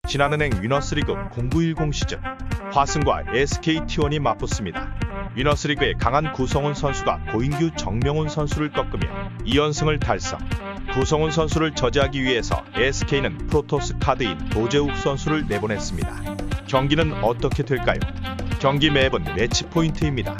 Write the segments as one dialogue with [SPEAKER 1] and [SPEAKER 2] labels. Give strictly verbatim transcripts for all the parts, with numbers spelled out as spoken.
[SPEAKER 1] 지난은행 위너스리그 공구일공 시즌 화승과 에스케이티원이 맞붙습니다. 위너스리그의 강한 구성훈 선수가 고인규 정명훈 선수를 꺾으며 이 연승을 달성. 구성훈 선수를 저지하기 위해서 에스케이는 프로토스 카드인 도재욱 선수를 내보냈습니다. 경기는 어떻게 될까요? 경기 맵은 매치 포인트입니다.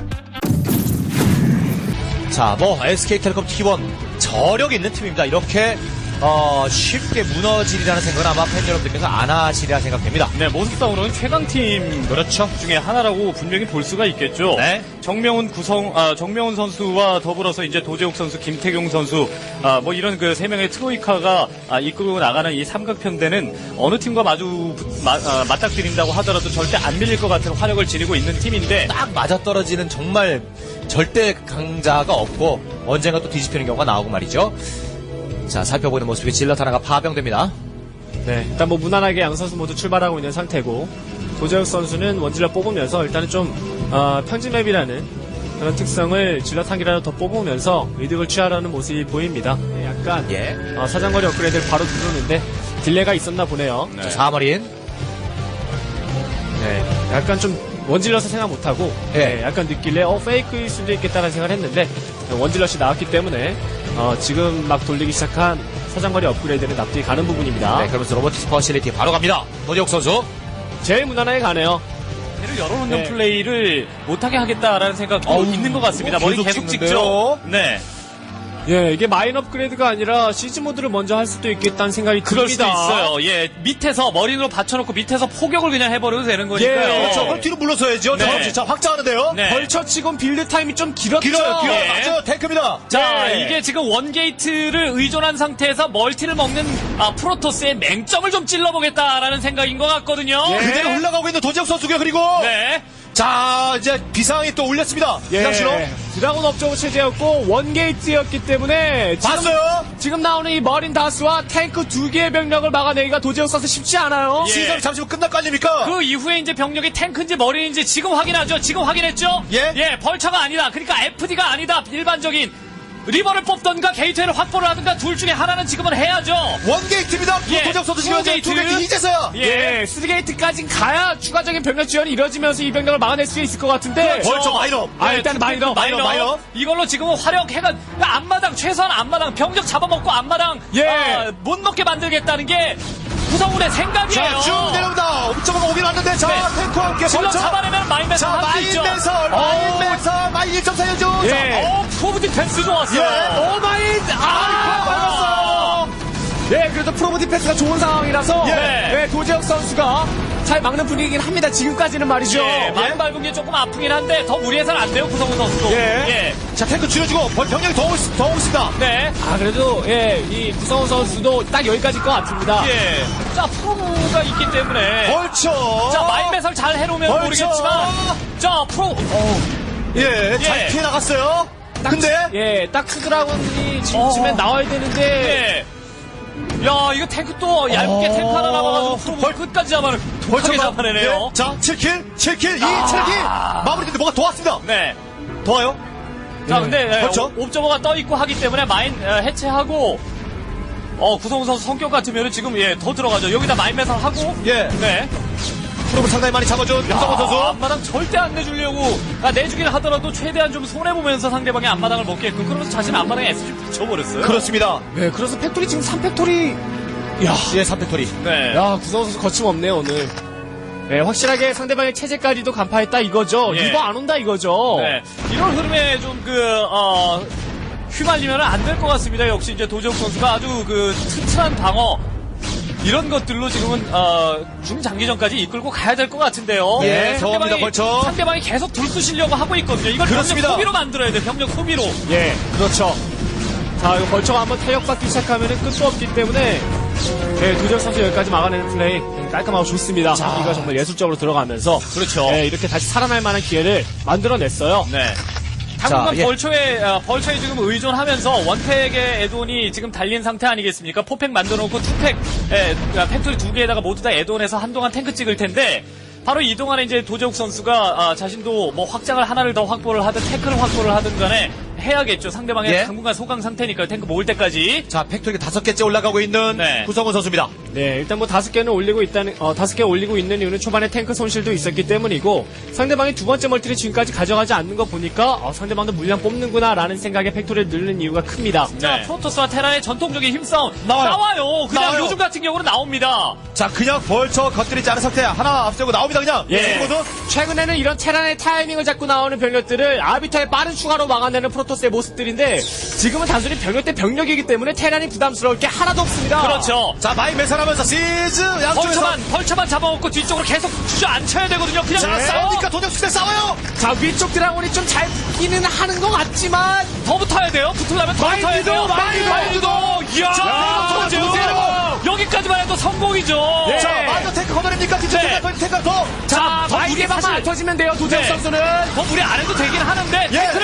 [SPEAKER 2] 자, 뭐 에스케이텔레콤 티원 저력 있는 팀입니다. 이렇게 어, 쉽게 무너지리라는 생각은 아마 팬 여러분들께서 안 하시리라 생각됩니다.
[SPEAKER 3] 네, 모습상으로는 최강팀
[SPEAKER 2] 그렇죠.
[SPEAKER 3] 중에 하나라고 분명히 볼 수가 있겠죠.
[SPEAKER 2] 네.
[SPEAKER 3] 정명훈 구성, 아, 정명훈 선수와 더불어서 이제 도재욱 선수, 김태경 선수, 아, 뭐 이런 그 세 명의 트로이카가 아, 이끌고 나가는 이 삼각편대는 어느 팀과 마주, 마, 아, 맞닥뜨린다고 하더라도 절대 안 밀릴 것 같은 화력을 지니고 있는 팀인데.
[SPEAKER 2] 딱 맞아떨어지는 정말 절대 강자가 없고 언젠가 또 뒤집히는 경우가 나오고 말이죠. 자, 살펴보는 모습이 질럿 하나가 파병됩니다.
[SPEAKER 4] 네, 일단 뭐 무난하게 양 선수 모두 출발하고 있는 상태고 도재욱 선수는 원질럿 뽑으면서 일단은 좀 어, 평지맵이라는 그런 특성을 질럿 한 개라도 더 뽑으면서 이득을 취하려는 모습이 보입니다. 네, 약간
[SPEAKER 2] 예.
[SPEAKER 4] 어, 사정거리 업그레이드를 바로 누르는데 딜레가 있었나 보네요.
[SPEAKER 3] 네.
[SPEAKER 2] 자, 사마린.
[SPEAKER 4] 네, 약간 좀 원질럿을 생각 못하고
[SPEAKER 2] 예.
[SPEAKER 4] 네, 약간 느낄래 어 페이크일 수도 있겠다는 생각을 했는데 원질럿이 나왔기 때문에 어, 지금 막 돌리기 시작한 사정거리 업그레이드는 납득이 가는 부분입니다.
[SPEAKER 2] 네, 그러면서 로보틱스 퍼실리티 바로 갑니다. 도재욱 선수.
[SPEAKER 4] 제일 무난하게 가네요.
[SPEAKER 3] 를 열어놓는
[SPEAKER 4] 네.
[SPEAKER 3] 플레이를 못하게 하겠다라는 생각도
[SPEAKER 2] 어우,
[SPEAKER 3] 있는 것 같습니다.
[SPEAKER 2] 뭐
[SPEAKER 3] 머리
[SPEAKER 2] 계속
[SPEAKER 3] 계속
[SPEAKER 2] 찍는데요?
[SPEAKER 3] 찍죠. 네.
[SPEAKER 4] 예, 이게 마인 업그레이드가 아니라 시즈 모드를 먼저 할 수도 있겠다는 생각이
[SPEAKER 3] 그럴 수도
[SPEAKER 4] 듭니다.
[SPEAKER 3] 있어요. 예, 밑에서 머리로 받쳐놓고 밑에서 포격을 그냥 해버려도 되는 거니까요.
[SPEAKER 4] 예,
[SPEAKER 2] 그렇죠. 그럼 뒤로 물러서야죠.
[SPEAKER 3] 네.
[SPEAKER 2] 정없이 자, 확장하는데요.
[SPEAKER 3] 네.
[SPEAKER 4] 벌처 치곤 빌드 타임이 좀 길었죠.
[SPEAKER 2] 길어요, 길어요.
[SPEAKER 3] 예.
[SPEAKER 2] 맞아요. 탱크입니다.
[SPEAKER 3] 자,
[SPEAKER 4] 예.
[SPEAKER 3] 이게 지금 원게이트를 의존한 상태에서 멀티를 먹는 아, 프로토스의 맹점을 좀 찔러보겠다라는 생각인 것 같거든요.
[SPEAKER 4] 예.
[SPEAKER 2] 그대로 올라가고 있는 도재욱 선수고요. 그리고
[SPEAKER 3] 네.
[SPEAKER 2] 자, 이제 비상이 또 올렸습니다.
[SPEAKER 4] 예,
[SPEAKER 2] 비상신호.
[SPEAKER 4] 드라곤 업저버 체제였고 원게이트였기 때문에 지금,
[SPEAKER 2] 봤어요?
[SPEAKER 4] 지금 나오는 이 머린 다수와 탱크 두 개의 병력을 막아내기가 도재욱 선수 쉽지 않아요.
[SPEAKER 3] 예.
[SPEAKER 2] 시즌이 잠시 후 끝날 거 아닙니까?
[SPEAKER 3] 그 이후에 이제 병력이 탱크인지 머리인지 지금 확인하죠. 지금 확인했죠?
[SPEAKER 2] 예.
[SPEAKER 3] 예, 벌처가 아니다. 그러니까 에프디가 아니다. 일반적인 리버를 뽑던가 게이트를 확보를 하든가 둘 중에 하나는 지금은 해야죠.
[SPEAKER 2] 원게이트입니다.
[SPEAKER 3] 예.
[SPEAKER 2] 도재욱 선수 지금
[SPEAKER 3] 원게이트.
[SPEAKER 2] 두 게이트 이제서야.
[SPEAKER 3] 예.
[SPEAKER 4] 예, 쓰리게이트까지 가야 추가적인 병력 지원이 이루어지면서 이 병력을 막아낼 수 있을 것 같은데.
[SPEAKER 3] 그렇죠.
[SPEAKER 2] 벌처 마이너.
[SPEAKER 4] 아, 일단 마이너,
[SPEAKER 3] 마이너,
[SPEAKER 2] 마이너.
[SPEAKER 3] 이걸로 지금은 화력해가 앞마당 최소한 앞마당 병력 잡아먹고 앞마당
[SPEAKER 4] 예.
[SPEAKER 3] 아, 못 먹게 만들겠다는 게 구성훈의 생각이에요.
[SPEAKER 2] 자, 쭉 내려옵니다. 옵저버가 오긴 왔는데, 자,
[SPEAKER 3] 네.
[SPEAKER 2] 탱크와 함께
[SPEAKER 3] 질러
[SPEAKER 2] 벌처.
[SPEAKER 3] 잡아내면 마인맨
[SPEAKER 2] 자,
[SPEAKER 3] 할수 있죠.
[SPEAKER 2] 마인 매설, 마인 매설, 마인 일 점 사 연중.
[SPEAKER 4] 예.
[SPEAKER 3] 어, 프로브 디펜스 좋았어요.
[SPEAKER 2] 예.
[SPEAKER 4] 오마인!
[SPEAKER 2] 아,
[SPEAKER 4] 네, 그래도 프로브 디펜스가 좋은 상황이라서
[SPEAKER 3] 예.
[SPEAKER 4] 네, 도재혁 선수가 잘 막는 분위기긴 합니다. 지금까지는 말이죠.
[SPEAKER 3] 예, 마인 밟은 게 조금 아프긴 한데 더 무리해서는 안 돼요, 구성훈 선수도.
[SPEAKER 4] 예.
[SPEAKER 2] 자, 탱크 줄여주고, 벌- 병력이 더, 오- 더 오고 있습니다.
[SPEAKER 3] 네.
[SPEAKER 4] 아, 그래도 예, 이 구성훈 선수도 딱 여기까지일 것 같습니다.
[SPEAKER 3] 예. 자, 프로브가 있기 때문에.
[SPEAKER 2] 벌처.
[SPEAKER 3] 자, 마인 매설 잘 해놓으면
[SPEAKER 2] 벌써.
[SPEAKER 3] 모르겠지만. 자, 프로. 어,
[SPEAKER 2] 예, 잘
[SPEAKER 3] 예.
[SPEAKER 2] 피해 나갔어요.
[SPEAKER 4] 딱,
[SPEAKER 2] 근데,
[SPEAKER 4] 예, 딱 크드라곤이 지금쯤엔
[SPEAKER 3] 어.
[SPEAKER 4] 나와야 되는데
[SPEAKER 3] 예. 야, 이거 탱크 또 얇게
[SPEAKER 2] 어.
[SPEAKER 3] 탱크 하나 남아가지고 프로브
[SPEAKER 2] 벌-
[SPEAKER 3] 끝까지 잡아내. 독하게
[SPEAKER 2] 벌처가.
[SPEAKER 3] 잡아내네요.
[SPEAKER 2] 예. 자, 칠 킬, 칠 킬, 이
[SPEAKER 3] 아.
[SPEAKER 2] 칠 킬. 마무리인데 뭐가 더 왔습니다.
[SPEAKER 3] 네.
[SPEAKER 2] 더 와요?
[SPEAKER 3] 자, 근데 예,
[SPEAKER 2] 그렇죠.
[SPEAKER 3] 옵- 옵저버가 떠 있고 하기 때문에 마인 예, 해체하고 어 구성훈 선수 성격 같으면 지금 예 더 들어가죠. 여기다 마인 매설 하고
[SPEAKER 2] 예.
[SPEAKER 3] 네.
[SPEAKER 2] 프로브 상당히 많이 잡아준 구성훈
[SPEAKER 3] 아,
[SPEAKER 2] 선수.
[SPEAKER 3] 앞마당 절대 안 내주려고 아, 내주기를 하더라도 최대한 좀 손해보면서 상대방의 앞마당을 먹게끔 그러면서 자신 앞마당에 에스지 붙여버렸어요.
[SPEAKER 2] 그렇습니다.
[SPEAKER 4] 네, 그래서 팩토리 지금 삼 팩토리 야,
[SPEAKER 2] 예, 삼 팩토리.
[SPEAKER 3] 네.
[SPEAKER 4] 야, 구성훈 선수 거침없네요, 오늘. 네, 확실하게 상대방의 체제까지도 간파했다 이거죠.
[SPEAKER 3] 예.
[SPEAKER 4] 리버 안 온다 이거죠.
[SPEAKER 3] 네. 이런 흐름에 좀 그, 어, 휘말리면 안 될 것 같습니다. 역시 이제 도재욱 선수가 아주 그 튼튼한 방어, 이런 것들로 지금은, 어, 중장기전까지 이끌고 가야 될 것 같은데요.
[SPEAKER 2] 예, 더합니다, 벌쳐.
[SPEAKER 3] 상대방이 계속 들쑤시려고 하고 있거든요. 이걸
[SPEAKER 2] 그렇습니다.
[SPEAKER 3] 병력 소비로 만들어야 돼, 병력 소비로.
[SPEAKER 4] 예, 그렇죠. 자, 이거 벌처가 한번 타격받기 시작하면 끝도 없기 때문에 네, 도재혁 선수 여기까지 막아내는 플레이 깔끔하고 좋습니다. 이거 정말 예술적으로 들어가면서
[SPEAKER 3] 그렇죠.
[SPEAKER 4] 네, 이렇게 다시 살아날 만한 기회를 만들어냈어요.
[SPEAKER 3] 네. 당분간
[SPEAKER 2] 자, 예.
[SPEAKER 3] 벌초에, 어, 벌초에 지금 의존하면서 원팩의 에돈이 지금 달린 상태 아니겠습니까? 포팩 만들어놓고 투팩, 에, 팩토리 두 개에다가 모두 다 에돈해서 한동안 탱크 찍을 텐데, 바로 이동안에 이제 도재욱 선수가, 아, 자신도 뭐 확장을 하나를 더 확보를 하든 태클을 확보를 하든 간에, 해야겠죠. 상대방의
[SPEAKER 2] 예.
[SPEAKER 3] 당분간 소강 상태니까요. 탱크 모을 때까지.
[SPEAKER 2] 자, 팩토리가 다섯 개째 올라가고 있는
[SPEAKER 3] 네.
[SPEAKER 2] 구성훈 선수입니다.
[SPEAKER 4] 네, 일단 뭐 다섯 개는 올리고 있다는, 어, 다섯 개 올리고 있는 이유는 초반에 탱크 손실도 있었기 때문이고, 상대방이 두 번째 멀티를 지금까지 가져가지 않는 거 보니까, 어, 상대방도 물량 뽑는구나라는 생각에 팩토리를 늘리는 이유가 큽니다.
[SPEAKER 3] 자,
[SPEAKER 2] 네.
[SPEAKER 3] 프로토스와 테란의 전통적인 힘싸움
[SPEAKER 2] 나와요.
[SPEAKER 3] 나와요. 그냥
[SPEAKER 2] 나와요.
[SPEAKER 3] 요즘 같은 경우는 나옵니다.
[SPEAKER 2] 자, 그냥 벌쳐 건드리지 않은 상태 하나 앞세우고 나옵니다, 그냥.
[SPEAKER 3] 예.
[SPEAKER 2] 모두.
[SPEAKER 4] 최근에는 이런 테란의 타이밍을 잡고 나오는 병력들을 아비터의 빠른 추가로 막아내는 프로토스의 모습들인데, 지금은 단순히 병력 대 병력이기 때문에 테란이 부담스러울 게 하나도 없습니다.
[SPEAKER 3] 그렇죠.
[SPEAKER 2] 자, 마인 매설하면서 시즈 양쪽에서.
[SPEAKER 3] 벌처만 벌처만 잡아먹고 뒤쪽으로 계속 주저앉혀야 되거든요. 그냥
[SPEAKER 2] 자,
[SPEAKER 3] 싸워.
[SPEAKER 2] 싸우니까 도적수대 싸워요!
[SPEAKER 4] 자, 위쪽 드라곤이 좀 잘 붙기는 하는 것 같지만,
[SPEAKER 3] 더 붙어야 돼요. 붙으려면 더 붙어야
[SPEAKER 4] 마인드도,
[SPEAKER 3] 돼요.
[SPEAKER 4] 마인드도.
[SPEAKER 3] 마인드도. 이야,
[SPEAKER 2] 자,
[SPEAKER 3] 도제욱.
[SPEAKER 2] 도제욱.
[SPEAKER 3] 여기까지만 해도 성공이죠.
[SPEAKER 4] 네.
[SPEAKER 2] 자, 마저 탱크 걷어냅니까? 뒤쪽
[SPEAKER 3] 네.
[SPEAKER 2] 탱크, 탱크 더.
[SPEAKER 3] 자,
[SPEAKER 4] 자,
[SPEAKER 3] 더
[SPEAKER 4] 마이게
[SPEAKER 3] 무리
[SPEAKER 4] 방만
[SPEAKER 3] 사실
[SPEAKER 4] 안 터지면 돼요, 도재욱
[SPEAKER 3] 네.
[SPEAKER 4] 선수는.
[SPEAKER 3] 더 무리 안 해도 되긴 하는데
[SPEAKER 2] 예.
[SPEAKER 3] 탱크를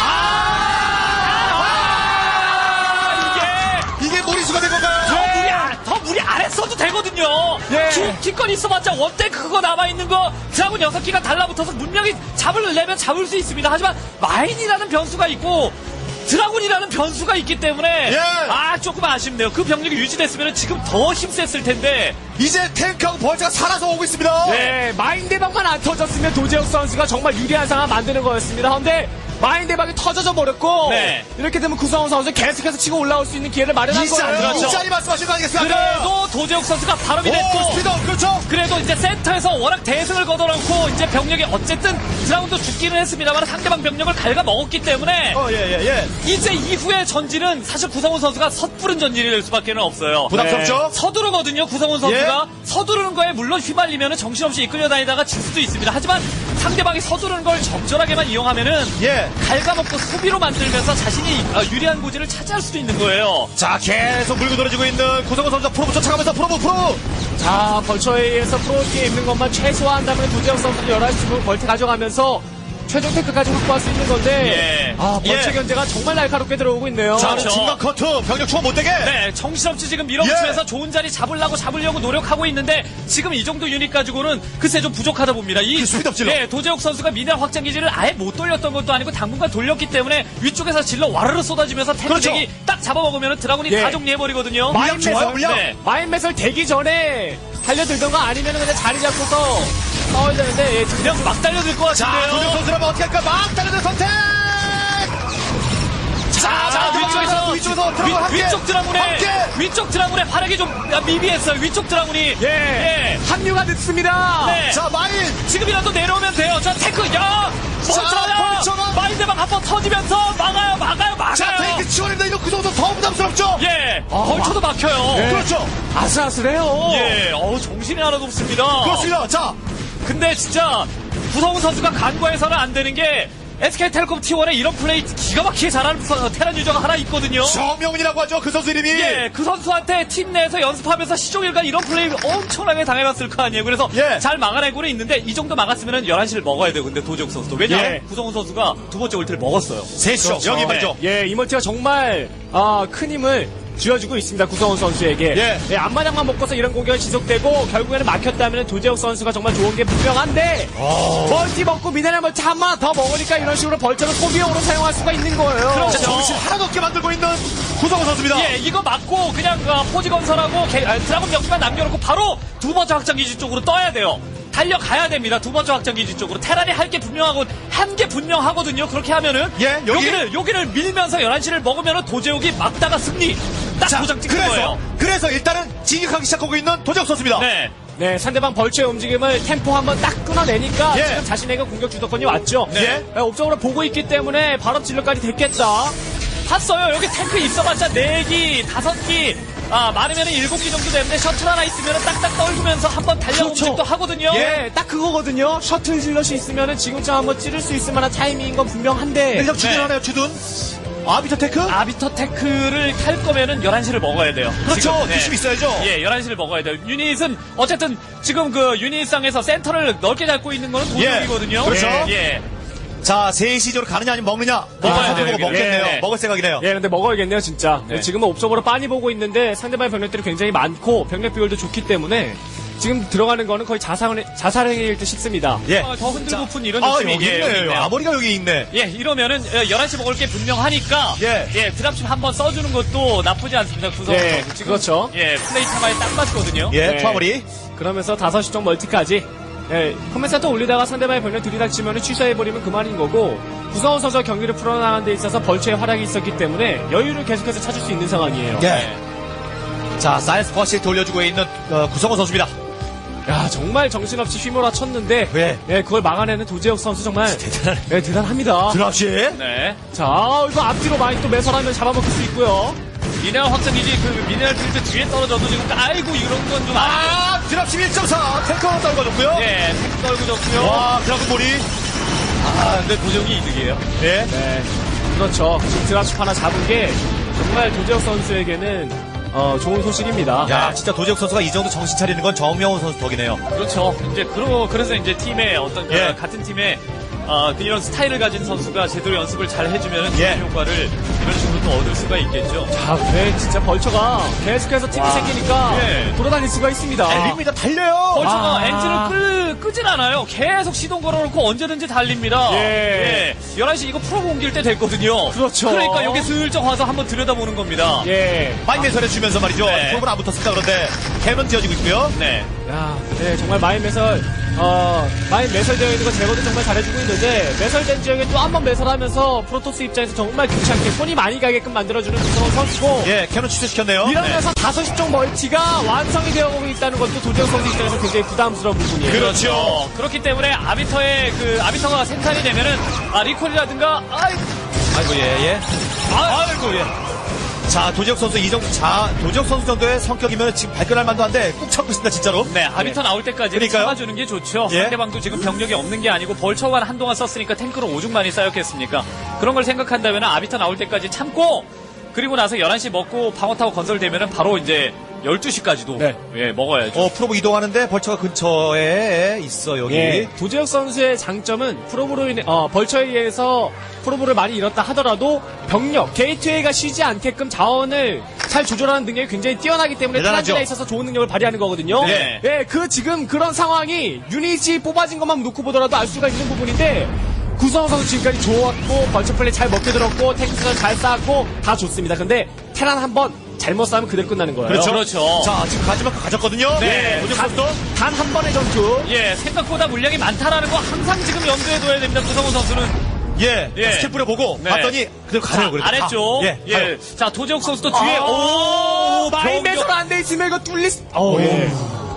[SPEAKER 3] 아, 이게
[SPEAKER 2] 이게 무리수가 된 건가요?
[SPEAKER 3] 더 무리 안, 더 무리 안 했어도 되거든요.
[SPEAKER 4] 예.
[SPEAKER 3] 기, 기껏 있어봤자 원탱크 그거 남아있는 거 드라군 여섯 개가 달라붙어서 분명히 잡으려면 잡을 수 있습니다. 하지만 마인이라는 변수가 있고 드라군이라는 변수가 있기 때문에
[SPEAKER 2] 예.
[SPEAKER 3] 아 조금 아쉽네요. 그 병력이 유지됐으면 지금 더 힘셌을 텐데
[SPEAKER 2] 이제 탱크하고 벌처가 살아서 오고 있습니다.
[SPEAKER 4] 네, 마인 대박만 안 터졌으면 도재욱 선수가 정말 유리한 상황 만드는 거였습니다. 그런데 마인 대박이 터져져 버렸고,
[SPEAKER 3] 네.
[SPEAKER 4] 이렇게 되면 구성훈 선수 계속해서 치고 올라올 수 있는 기회를 마련한
[SPEAKER 2] 이 자리,
[SPEAKER 4] 거예요.
[SPEAKER 3] 그렇죠.
[SPEAKER 2] 이 자리 말씀하신 거 아니겠습니까?
[SPEAKER 3] 그래도 도재욱 선수가 발업이
[SPEAKER 2] 오,
[SPEAKER 3] 됐고
[SPEAKER 2] 스피더, 그렇죠?
[SPEAKER 3] 그래도 이제 센터에서 워낙 대승을 거둬놓고 이제 병력이 어쨌든 드라군도 죽기는 했습니다만 상대방 병력을 갉아먹었기 때문에
[SPEAKER 2] 어, 예, 예, 예.
[SPEAKER 3] 이제 이후의 전진은 사실 구성훈 선수가 섣부른 전진이 될 수밖에 없어요.
[SPEAKER 2] 부담스럽죠?
[SPEAKER 3] 서두르거든요. 구성훈 선수가 서두르는 거에 물론 휘말리면 정신없이 이끌려 다니다가 질 수도 있습니다. 하지만 상대방이 서두르는 걸 적절하게만 이용하면은
[SPEAKER 2] 예.
[SPEAKER 3] 갉아먹고 수비로 만들면서 자신이 어, 유리한 고지를 차지할 수도 있는 거예요.
[SPEAKER 2] 자, 계속 물고 늘어지고 있는 구성원 선수 프로브 쫓아가면서 프로브, 프로브!
[SPEAKER 4] 자, 벌처에 의해서 프로기에 입는 것만 최소화한 다음에 도재욱 선수는 열한 시 벌트 가져가면서 최종 테크까지 확보할 수 있는 건데,
[SPEAKER 3] 예.
[SPEAKER 4] 아, 벌처
[SPEAKER 2] 예.
[SPEAKER 4] 견제가 정말 날카롭게 들어오고 있네요.
[SPEAKER 2] 자,
[SPEAKER 3] 그렇죠.
[SPEAKER 2] 중간 커트, 병력 추가 못되게!
[SPEAKER 3] 네, 정신없이 지금 밀어붙이면서
[SPEAKER 2] 예.
[SPEAKER 3] 좋은 자리 잡으려고 잡으려고 노력하고 있는데 지금 이 정도 유닛 가지고는 글쎄 좀 부족하다 봅니다. 이
[SPEAKER 2] 그 스피드업 질러.
[SPEAKER 3] 네, 도재욱 선수가 미네랄 확장 기지를 아예 못 돌렸던 것도 아니고 당분간 돌렸기 때문에 위쪽에서 질러 와르르 쏟아지면서
[SPEAKER 2] 그렇죠.
[SPEAKER 3] 탱크이 딱 잡아먹으면 드라군이
[SPEAKER 4] 예.
[SPEAKER 3] 다 정리해버리거든요.
[SPEAKER 2] 물량 좋아요, 물량.
[SPEAKER 3] 네.
[SPEAKER 4] 마인 매설 되기 전에 달려들던가 아니면 그냥 자리 잡고서 싸워야 되는데, 예, 지금
[SPEAKER 3] 그냥 막 달려들 것
[SPEAKER 2] 자,
[SPEAKER 3] 같은데요.
[SPEAKER 2] 도적 선수라면 어떻게 할까? 막 달려들 선택!
[SPEAKER 3] 자, 자, 위쪽에서
[SPEAKER 2] 위쪽에서 드라군 함께!
[SPEAKER 3] 위, 쪽 드라군의
[SPEAKER 2] 함께!
[SPEAKER 3] 위쪽 드라군의 활약이 좀 미비했어요. 위쪽 드라군이
[SPEAKER 4] 예,
[SPEAKER 3] 예.
[SPEAKER 4] 합류가 늦습니다.
[SPEAKER 3] 네.
[SPEAKER 2] 자, 마인!
[SPEAKER 3] 지금이라도 내려오면 돼요. 자, 탱크, 야! 멀쩡하다!
[SPEAKER 2] 벌처가!
[SPEAKER 3] 마인드방 한번 터지면서 막아요, 막아요, 막아요!
[SPEAKER 2] 자, 탱크 지원입니다. 이거 구성원 선수 더 부담스럽죠?
[SPEAKER 3] 예! 벌쳐도 막혀요.
[SPEAKER 4] 네.
[SPEAKER 2] 그렇죠.
[SPEAKER 4] 아슬아슬해요.
[SPEAKER 3] 예, 어우, 정신이 하나도 없습니다.
[SPEAKER 2] 그렇습니다. 자,
[SPEAKER 3] 근데 진짜, 구성훈 선수가 간과해서는 안 되는 게, 에스케이텔레콤 티원에 이런 플레이 기가 막히게 잘하는 서- 테란 유저가 하나 있거든요.
[SPEAKER 2] 정명훈이라고 하죠. 그 선수 이름이.
[SPEAKER 3] 예, 그 선수한테 팀 내에서 연습하면서 시종일관 이런 플레이 엄청나게 당해봤을 거 아니에요. 그래서
[SPEAKER 2] 예.
[SPEAKER 3] 잘 막아내고는 있는데 이 정도 막았으면 열한 시를 먹어야 돼요. 근데 도재욱 선수도. 왜냐하면
[SPEAKER 4] 예.
[SPEAKER 3] 구성훈 선수가 두 번째 올트를 먹었어요.
[SPEAKER 2] 셋이죠.
[SPEAKER 4] 그렇죠.
[SPEAKER 2] 여기 말이죠.
[SPEAKER 4] 예, 이멀티가 정말 아, 큰 힘을 쥐어주고 있습니다. 구성원 선수에게.
[SPEAKER 2] 예.
[SPEAKER 4] 앞마당만 먹고서 이런 공격이 지속되고 결국에는 막혔다면 도재욱 선수가 정말 좋은 게 분명한데 멀티 먹고 미네랄 멀티 한 번 더 먹으니까 이런 식으로 벌처를 소비용으로 사용할 수가 있는 거예요.
[SPEAKER 3] 그렇죠.
[SPEAKER 2] 자, 정신 하나도 없게 만들고 있는 구성원 선수입니다.
[SPEAKER 3] 예, 이거 맞고 그냥 어, 포지 건설하고 개- 아, 드라곤 역기만 남겨놓고 바로 두 번째 확장기지 쪽으로 떠야 돼요. 달려가야 됩니다. 두 번째 확장기지 쪽으로. 테란이 할 게 분명하고 한 게 분명하거든요. 그렇게 하면은
[SPEAKER 2] 예, 여기?
[SPEAKER 3] 여기를 여기를 밀면서 열한 시를 먹으면은 도제욱이 막다가 승리 딱
[SPEAKER 2] 자,
[SPEAKER 3] 도장 찍는
[SPEAKER 2] 그래서,
[SPEAKER 3] 거예요.
[SPEAKER 2] 그래서 일단은 진격하기 시작하고 있는 도적 선수입니다.
[SPEAKER 3] 네.
[SPEAKER 4] 네, 상대방 벌처의 움직임을 템포 한번 딱 끊어내니까
[SPEAKER 2] 예.
[SPEAKER 4] 지금 자신에게 공격 주도권이 왔죠.
[SPEAKER 2] 네.
[SPEAKER 4] 예, 옵적으로 보고 있기 때문에 바로 진로까지 됐겠다.
[SPEAKER 3] 봤어요. 여기 탱크 있어봤자 네 기, 다섯 기, 아, 많으면 일곱 기 정도 되는데 셔틀 하나 있으면 딱딱 떨구면서 한번 달려
[SPEAKER 4] 그렇죠.
[SPEAKER 3] 움직도 하거든요.
[SPEAKER 4] 예, 딱 그거거든요. 셔틀 질럿이 있으면은 지금쯤 한번 찌를 수 있을 만한 타이밍인 건 분명한데.
[SPEAKER 2] 일단 주둔하네요, 주둔. 아비터 테크?
[SPEAKER 3] 아비터 테크를 탈 거면은 열한 시를 먹어야 돼요.
[SPEAKER 2] 그렇죠.
[SPEAKER 3] 지금, 네.
[SPEAKER 2] 유심히 있어야죠.
[SPEAKER 3] 예, 열한 시를 먹어야 돼요. 유닛은 어쨌든 지금 그 유닛상에서 센터를 넓게 잡고 있는 거는 도적이거든요.
[SPEAKER 2] 예, 그렇죠.
[SPEAKER 3] 예.
[SPEAKER 2] 자, 세시적으로 가느냐 아니면 먹느냐?
[SPEAKER 3] 먹어야
[SPEAKER 2] 아,
[SPEAKER 3] 돼요,
[SPEAKER 2] 선택하고
[SPEAKER 3] 여기는.
[SPEAKER 2] 먹겠네요.
[SPEAKER 3] 예.
[SPEAKER 2] 먹을 생각이네요.
[SPEAKER 4] 예, 근데 먹어야겠네요, 진짜.
[SPEAKER 3] 네.
[SPEAKER 4] 지금은 옵적으로 빤히 보고 있는데 상대방의 병력들이 굉장히 많고 병력 비율도 좋기 때문에 지금 들어가는 거는 거의 자살, 자살행위일 듯 싶습니다.
[SPEAKER 2] 예.
[SPEAKER 3] 어, 더 흔들고픈 이런
[SPEAKER 2] 아,
[SPEAKER 3] 느낌이
[SPEAKER 2] 여기
[SPEAKER 3] 예, 여기
[SPEAKER 2] 있네.
[SPEAKER 3] 있네요.
[SPEAKER 2] 아머리가 여기 있네.
[SPEAKER 3] 예, 이러면은 어, 열한 시 먹을 게 분명하니까
[SPEAKER 2] 예.
[SPEAKER 3] 예, 드랍십 한번 써주는 것도 나쁘지 않습니다. 구성
[SPEAKER 4] 예,
[SPEAKER 3] 선수. 지금
[SPEAKER 4] 그렇죠.
[SPEAKER 3] 예, 플레이 타마에 딱 맞거든요.
[SPEAKER 2] 예,
[SPEAKER 4] 네.
[SPEAKER 2] 투아머리.
[SPEAKER 4] 그러면서 다섯 시 쪽 멀티까지 예, 컴맨센터 올리다가 상대방의 병력 들이닥치면 취소해버리면 그만인 거고 구성원 선수가 경기를 풀어나가는 데 있어서 벌처의 활약이 있었기 때문에 여유를 계속해서 찾을 수 있는 상황이에요.
[SPEAKER 2] 예. 자, 사이언스 퍼시를 돌려주고 있는 어, 구성원 선수입니다.
[SPEAKER 4] 야 정말 정신없이 휘몰아 쳤는데
[SPEAKER 2] 예.
[SPEAKER 4] 예, 그걸 막아내는 도재혁 선수 정말
[SPEAKER 2] 대단하네.
[SPEAKER 4] 예, 대단합니다.
[SPEAKER 2] 드랍시.
[SPEAKER 3] 네.
[SPEAKER 4] 자 이거 앞뒤로 많이 또 매설하면 잡아먹을 수 있고요.
[SPEAKER 3] 미네랄 확장기지 그 미네랄 필드 뒤에 떨어져도 지금 아이고 이런 건 좀 아.
[SPEAKER 2] 아, 드랍시 일 점 사. 탱커로 떨궈줬고요.
[SPEAKER 3] 예, 탱크 떨구졌고요.
[SPEAKER 2] 와, 드랍시 머리.
[SPEAKER 3] 아, 근데 도적이 이득이에요.
[SPEAKER 2] 예.
[SPEAKER 4] 네, 그렇죠. 지금 드랍십 하나 잡은 게 정말 도재혁 선수에게는 어, 좋은 소식입니다.
[SPEAKER 2] 야, 진짜 도재욱 선수가 이 정도 정신 차리는 건 정명훈 선수 덕이네요.
[SPEAKER 3] 그렇죠. 이제 그러 그래서 이제 팀의 어떤 그
[SPEAKER 2] 예.
[SPEAKER 3] 같은 팀의 어, 그 이런 스타일을 가진 선수가 제대로 연습을 잘 해주면
[SPEAKER 2] 예.
[SPEAKER 3] 좋은 효과를 이런 식으로 또 얻을 수가 있겠죠.
[SPEAKER 4] 자, 네, 진짜 벌처가 계속해서 팀이
[SPEAKER 3] 와.
[SPEAKER 4] 생기니까
[SPEAKER 3] 예.
[SPEAKER 4] 돌아다닐 수가 있습니다.
[SPEAKER 2] 달립니다, 달려요.
[SPEAKER 3] 벌처가
[SPEAKER 4] 아.
[SPEAKER 3] 엔진을 끌, 끄진 않아요. 계속 시동 걸어놓고 언제든지 달립니다.
[SPEAKER 4] 예.
[SPEAKER 3] 예. 열한 시 이거 프로브 옮길 때 됐거든요.
[SPEAKER 4] 그렇죠.
[SPEAKER 3] 그러니까 여기 슬쩍 와서 한번 들여다보는 겁니다.
[SPEAKER 4] 예.
[SPEAKER 2] 많이 매설해 주면서 말이죠.
[SPEAKER 3] 네.
[SPEAKER 2] 프로브는 안 붙었습니다. 그런데 캐논 지어지고 있고요.
[SPEAKER 3] 네.
[SPEAKER 4] 야, 네, 정말 마인 매설, 어, 마인 매설되어 있는 거 제거도 정말 잘해주고 있는데, 매설된 지역에 또 한 번 매설하면서 프로토스 입장에서 정말 귀찮게 손이 많이 가게끔 만들어주는 구성원 선수고,
[SPEAKER 2] 예, 캐논 취소시켰네요.
[SPEAKER 4] 이러면서 다섯 시 쪽 멀티가 완성이 되어오고 있다는 것도 도재혁 선수 입장에서 굉장히 부담스러운 부분이에요.
[SPEAKER 3] 그렇죠. 그렇기 때문에 아비터의 그 아비터가 생산이 되면은 아 리콜이라든가 아이
[SPEAKER 2] 아이고, 예, 예. 아이고, 예. 자, 도재욱 선수 이 정도, 자, 도재욱 선수 정도의 성격이면 지금 발끈할 만도 한데 꾹 참고 있습니다, 진짜로.
[SPEAKER 3] 네, 아비터 나올 때까지
[SPEAKER 2] 그러니까요.
[SPEAKER 3] 참아주는 게 좋죠.
[SPEAKER 2] 예.
[SPEAKER 3] 상대방도 지금 병력이 없는 게 아니고 벌처만 한동안 썼으니까 탱크로 오죽 많이 쌓였겠습니까? 그런 걸 생각한다면 아비터 나올 때까지 참고 그리고 나서 열한 시 먹고 방어타워 건설되면은 바로 이제 열두 시까지도
[SPEAKER 4] 네.
[SPEAKER 3] 예, 먹어야죠.
[SPEAKER 2] 어, 프로브 이동하는데 벌처가 근처에 있어, 여기.
[SPEAKER 4] 예, 도재혁 선수의 장점은 프로브로 인해, 어, 벌처에 의해서 프로브를 많이 잃었다 하더라도 병력, 게이트웨이가 쉬지 않게끔 자원을 잘 조절하는 능력이 굉장히 뛰어나기 때문에
[SPEAKER 2] 대단하죠.
[SPEAKER 4] 테란진에 있어서 좋은 능력을 발휘하는 거거든요.
[SPEAKER 3] 네.
[SPEAKER 4] 예, 그 지금 그런 상황이 유닛이 뽑아진 것만 놓고 보더라도 알 수가 있는 부분인데 구성원 선수 지금까지 좋았고 벌처 플레이 잘 먹게 들었고 탱크를 잘 쌓았고 다 좋습니다. 근데 테란 한번 잘못 싸우면 그대로 끝나는 거예요.
[SPEAKER 3] 그렇죠. 그렇죠.
[SPEAKER 2] 자, 지금 가지만큼 가졌거든요.
[SPEAKER 3] 네.
[SPEAKER 2] 도재욱 선수도.
[SPEAKER 4] 단 한 번의 전투.
[SPEAKER 3] 예, 생각보다 물량이 많다라는 거 항상 지금 염두에 둬야 됩니다. 구성훈 선수는.
[SPEAKER 2] 예,
[SPEAKER 3] 예.
[SPEAKER 2] 스킬 뿌려보고
[SPEAKER 3] 네.
[SPEAKER 2] 봤더니 그대로 가네요. 그래도.
[SPEAKER 3] 안 했죠.
[SPEAKER 2] 아, 예,
[SPEAKER 3] 예.
[SPEAKER 2] 가요.
[SPEAKER 3] 자, 도재욱 선수도 뒤에
[SPEAKER 4] 아,
[SPEAKER 3] 오,
[SPEAKER 4] 마인
[SPEAKER 3] 병력.
[SPEAKER 4] 매설 안 돼 있으면 이거 뚫릴 수. 어, 예.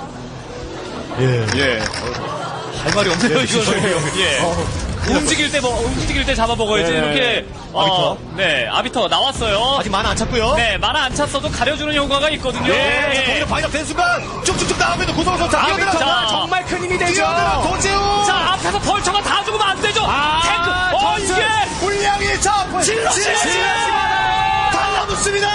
[SPEAKER 2] 예.
[SPEAKER 3] 예. 할 말이 없네요, 이거는. 예. 움직일 때, 뭐, 움직일 때 잡아먹어야지.
[SPEAKER 4] 네.
[SPEAKER 3] 이렇게. 어, 네, 아비터 나왔어요.
[SPEAKER 2] 아직 만화 안 찼고요.
[SPEAKER 3] 네, 만화 안 찼어도 가려주는 효과가 있거든요.
[SPEAKER 2] 예, 자,
[SPEAKER 3] 예.
[SPEAKER 2] 거기서 바이럭 된 순간 쭉쭉쭉 나오면 구성원 선수
[SPEAKER 3] 아,
[SPEAKER 2] 뛰어들어.
[SPEAKER 3] 자.
[SPEAKER 4] 정말 큰 힘이 되죠.
[SPEAKER 2] 뛰어들어 도재욱.
[SPEAKER 3] 자, 앞에서 벌처가 다 죽으면 안 되죠.
[SPEAKER 4] 아,
[SPEAKER 3] 탱크. 어,
[SPEAKER 2] 전술.
[SPEAKER 3] 이게.
[SPEAKER 2] 물량이 자
[SPEAKER 3] 질러,
[SPEAKER 2] 질러
[SPEAKER 3] 질러.
[SPEAKER 2] 달라붙습니다.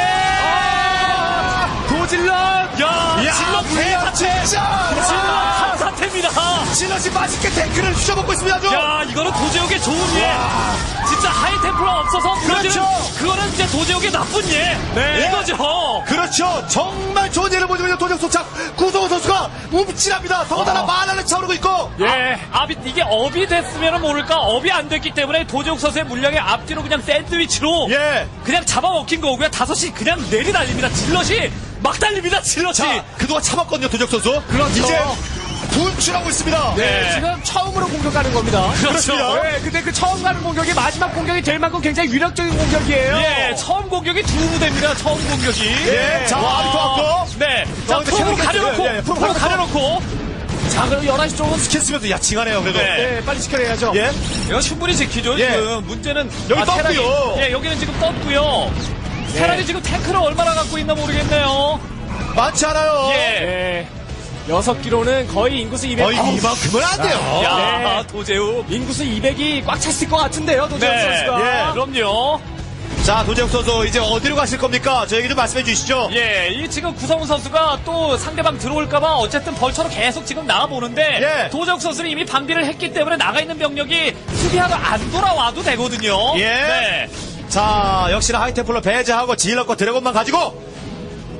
[SPEAKER 3] 예.
[SPEAKER 4] 도질럿.
[SPEAKER 3] 야,
[SPEAKER 2] 야,
[SPEAKER 3] 질러
[SPEAKER 2] 물량
[SPEAKER 3] 대사태.
[SPEAKER 2] 진짜.
[SPEAKER 3] 질러 사태입니다.
[SPEAKER 2] 질럿이 맛있게 탱크를 휘저먹고 있습니다. 아주.
[SPEAKER 3] 야, 이거는 도제욱의 좋은 예. 진짜 하이템플러 없어서
[SPEAKER 2] 그렇죠.
[SPEAKER 3] 그거는 이제 도제욱의 나쁜 예.
[SPEAKER 2] 네.
[SPEAKER 3] 이거죠.
[SPEAKER 2] 그렇죠. 정말 좋은 예를 보여주면 도적 소착 구성원 선수가 움찔합니다. 더군다나
[SPEAKER 3] 어.
[SPEAKER 2] 만화를 차오르고 있고.
[SPEAKER 3] 예. 아비 이게 업이 됐으면 모를까 업이 안 됐기 때문에 도제욱 선수의 물량의 앞뒤로 그냥 샌드위치로
[SPEAKER 2] 예.
[SPEAKER 3] 그냥 잡아먹힌 거고요. 다섯 시 그냥 내리 달립니다. 질럿이 막 달립니다. 질럿이.
[SPEAKER 2] 자, 그동안 참았거든요, 도적 선수.
[SPEAKER 4] 그렇죠.
[SPEAKER 2] 이제 분출하고 있습니다.
[SPEAKER 4] 네,
[SPEAKER 3] 네.
[SPEAKER 4] 지금 처음으로 공격하는 겁니다.
[SPEAKER 3] 그렇죠.
[SPEAKER 4] 네, 근데 그 처음 가는 공격이 마지막 공격이 될 만큼 굉장히 위력적인 공격이에요.
[SPEAKER 3] 예, 처음 공격이 두 부대입니다. 처음 공격이.
[SPEAKER 2] 예, 자,
[SPEAKER 3] 와.
[SPEAKER 2] 아비터 왔고.
[SPEAKER 3] 네.
[SPEAKER 2] 자,
[SPEAKER 3] 자,
[SPEAKER 2] 근데
[SPEAKER 3] 프로로
[SPEAKER 2] 캐논
[SPEAKER 3] 가려놓고,
[SPEAKER 2] 예, 예, 프로
[SPEAKER 3] 프로
[SPEAKER 2] 가려놓고.
[SPEAKER 3] 가려놓고.
[SPEAKER 4] 자, 그럼 열한 시 쪽은
[SPEAKER 2] 스캔 쓰면서 야칭하네요, 그래도.
[SPEAKER 3] 네.
[SPEAKER 4] 네, 빨리 지켜내야죠.
[SPEAKER 2] 예.
[SPEAKER 3] 이거 충분히 지키죠,
[SPEAKER 2] 예.
[SPEAKER 3] 지금. 문제는.
[SPEAKER 2] 여기 떴고요.
[SPEAKER 3] 테란이- 예, 여기는 지금 떴고요. 테란이 지금 탱크를 얼마나 갖고 있나 모르겠네요.
[SPEAKER 2] 많지 않아요.
[SPEAKER 3] 예.
[SPEAKER 4] 네. 여섯 기로는 거의 인구수 이백.
[SPEAKER 2] 거의
[SPEAKER 4] 어우,
[SPEAKER 2] 이만큼은 안 돼요.
[SPEAKER 3] 야,
[SPEAKER 4] 네.
[SPEAKER 3] 도제욱.
[SPEAKER 4] 인구수 이백이 꽉 찼을 것 같은데요, 도재욱
[SPEAKER 3] 네.
[SPEAKER 4] 선수가.
[SPEAKER 2] 예.
[SPEAKER 3] 그럼요.
[SPEAKER 2] 자, 도재욱 선수 이제 어디로 가실 겁니까? 저에게 좀 말씀해 주시죠.
[SPEAKER 3] 예, 이 지금 구성훈 선수가 또 상대방 들어올까봐 어쨌든 벌처로 계속 지금 나와보는데
[SPEAKER 2] 예.
[SPEAKER 3] 도재욱 선수는 이미 방비를 했기 때문에 나가 있는 병력이 수비하러 안 돌아와도 되거든요.
[SPEAKER 2] 예.
[SPEAKER 3] 네.
[SPEAKER 2] 자, 역시나 하이템플러 배제하고 질럿과 드래곤만 가지고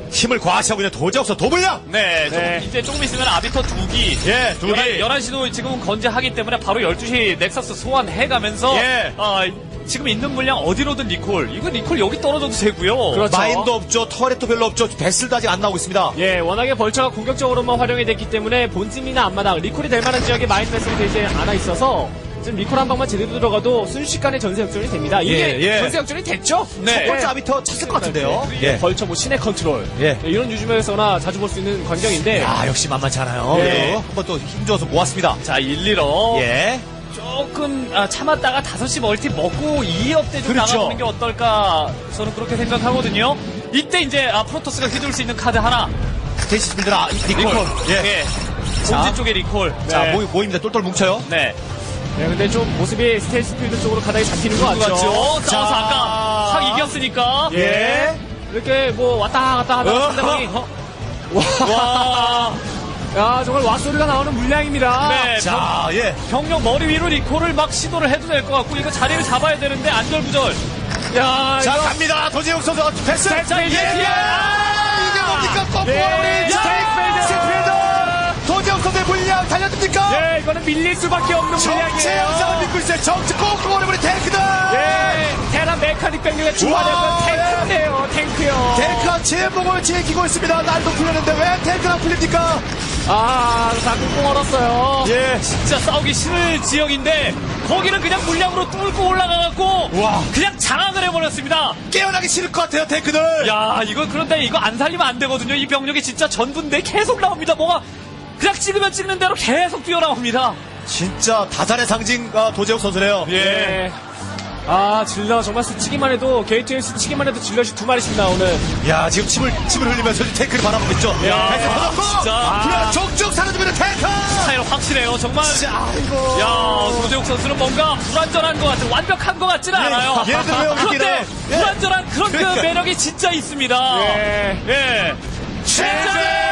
[SPEAKER 2] 힘을 과시하고 있는 도저옥선 도블량.
[SPEAKER 3] 네, 좀
[SPEAKER 4] 네.
[SPEAKER 3] 이제 조금 있으면 아비터 두 기.
[SPEAKER 2] 예, 두 기.
[SPEAKER 3] 열한 시도 지금은 건재하기 때문에 바로 열두 시 넥서스 소환해가면서.
[SPEAKER 2] 예.
[SPEAKER 3] 어, 지금 있는 물량 어디로든 리콜. 이거 리콜 여기 떨어져도 되고요.
[SPEAKER 4] 그렇죠.
[SPEAKER 2] 마인도 없죠. 터렛도 별로 없죠. 베슬도 아직 안 나오고 있습니다.
[SPEAKER 4] 예, 워낙에 벌처가 공격적으로만 활용이 됐기 때문에 본진이나 앞마당, 리콜이 될 만한 지역에 마인 매스가 되지 않아 있어서 지금 리콜 한 방만 제대로 들어가도 순식간에 전세 역전이 됩니다. 이게
[SPEAKER 2] 예, 예.
[SPEAKER 4] 전세 역전이 됐죠?
[SPEAKER 3] 네.
[SPEAKER 2] 첫 번째 아비터 찼을 것 같은데요.
[SPEAKER 4] 예. 벌처 뭐 신의 컨트롤.
[SPEAKER 2] 예.
[SPEAKER 4] 예, 이런 유즈맵에서나 자주 볼 수 있는 광경인데.
[SPEAKER 2] 아, 역시 만만치 않아요.
[SPEAKER 4] 예.
[SPEAKER 2] 네. 한번 또 힘줘서 모았습니다.
[SPEAKER 3] 자, 일, 일업.
[SPEAKER 2] 예.
[SPEAKER 3] 조금 아, 참았다가 다섯 시 멀티 먹고 이 업 때 좀
[SPEAKER 2] 그렇죠.
[SPEAKER 3] 나가보는 게 어떨까 저는 그렇게 생각하거든요. 이때 이제 아, 프로토스가 휘둘 수 있는 카드 하나.
[SPEAKER 2] 스테이시스분들 아, 리콜.
[SPEAKER 3] 리콜.
[SPEAKER 2] 예.
[SPEAKER 3] 예.
[SPEAKER 2] 자.
[SPEAKER 3] 본진 쪽에 리콜.
[SPEAKER 2] 자,
[SPEAKER 4] 네.
[SPEAKER 2] 모이, 모입니다. 똘똘 뭉쳐요.
[SPEAKER 3] 네.
[SPEAKER 4] 네, 근데 좀 모습이 스테이스 필드 쪽으로 가닥이 잡히는 것 같죠?
[SPEAKER 3] 맞죠? 싸워서
[SPEAKER 2] 자.
[SPEAKER 3] 아까 확 이겼으니까.
[SPEAKER 4] 예. 이렇게 뭐 왔다 갔다 하다가
[SPEAKER 2] 어.
[SPEAKER 4] 상대방이.
[SPEAKER 3] 와.
[SPEAKER 4] 야, 정말 왓소리가 나오는 물량입니다.
[SPEAKER 3] 네.
[SPEAKER 2] 자, 예.
[SPEAKER 3] 병력 머리 위로 리콜을 막 시도를 해도 될 것 같고 이거 자리를 잡아야 되는데 안절부절.
[SPEAKER 4] 야,
[SPEAKER 2] 자,
[SPEAKER 4] 이거
[SPEAKER 2] 갑니다. 도재욱 선수 패스.
[SPEAKER 3] 자, 이게
[SPEAKER 2] 예. 이게 뭡니까? 꺾고
[SPEAKER 4] 예.
[SPEAKER 2] 우리
[SPEAKER 4] 스테이크필드.
[SPEAKER 2] 스테이크필드. 도재욱 선수의 물량 달려듭니까?
[SPEAKER 4] 예, 이거는 밀릴 수밖에 없는
[SPEAKER 2] 정체
[SPEAKER 4] 물량이에요.
[SPEAKER 2] 영상을 믿고 있어요. 정체 꺾고 오래버린 탱크들.
[SPEAKER 4] 예, 테란 메카닉 병력의 주화력은
[SPEAKER 2] 우와,
[SPEAKER 4] 탱크예요, 탱크요.
[SPEAKER 2] 탱크가 제목을 지키고 있습니다. 날도 풀렸는데 왜 탱크가 풀립니까?
[SPEAKER 4] 아, 다 꽁꽁 얼었어요.
[SPEAKER 2] 예.
[SPEAKER 3] 진짜 싸우기 싫을 지역인데 거기는 그냥 물량으로 뚫고 올라가갖고
[SPEAKER 2] 와.
[SPEAKER 3] 그냥 장악을 해버렸습니다.
[SPEAKER 2] 깨어나기 싫을 것 같아요, 탱크들.
[SPEAKER 3] 야, 이거 그런데 이거 안 살리면 안 되거든요. 이 병력이 진짜 전부인데 계속 나옵니다. 뭐가 그냥 찍으면 찍는 대로 계속 뛰어나옵니다.
[SPEAKER 2] 진짜 다산의 상징 아, 도재욱 선수네요.
[SPEAKER 4] 예. 아, 질러 정말 스치기만 해도 게이트에 스치기만 해도 질럿이 두 마리씩 나오는.
[SPEAKER 2] 야, 지금 침을 침을 흘리면서 탱크를 바라보고 있죠.
[SPEAKER 3] 야,
[SPEAKER 2] 탱크 터졌고,
[SPEAKER 3] 진짜.
[SPEAKER 2] 아, 족족 사라지고 있는 탱크.
[SPEAKER 3] 스타일 확실해요. 정말.
[SPEAKER 2] 진짜, 아이고.
[SPEAKER 3] 야, 도재욱 선수는 뭔가 불완전한 것 같은 완벽한 것 같지는 않아요.
[SPEAKER 2] 예를 들면
[SPEAKER 3] 그런데
[SPEAKER 2] 여기는, 예.
[SPEAKER 3] 불완전한 그런 그
[SPEAKER 2] 그러니까.
[SPEAKER 3] 매력이 진짜 있습니다.
[SPEAKER 4] 예.
[SPEAKER 3] 예.
[SPEAKER 2] 최재!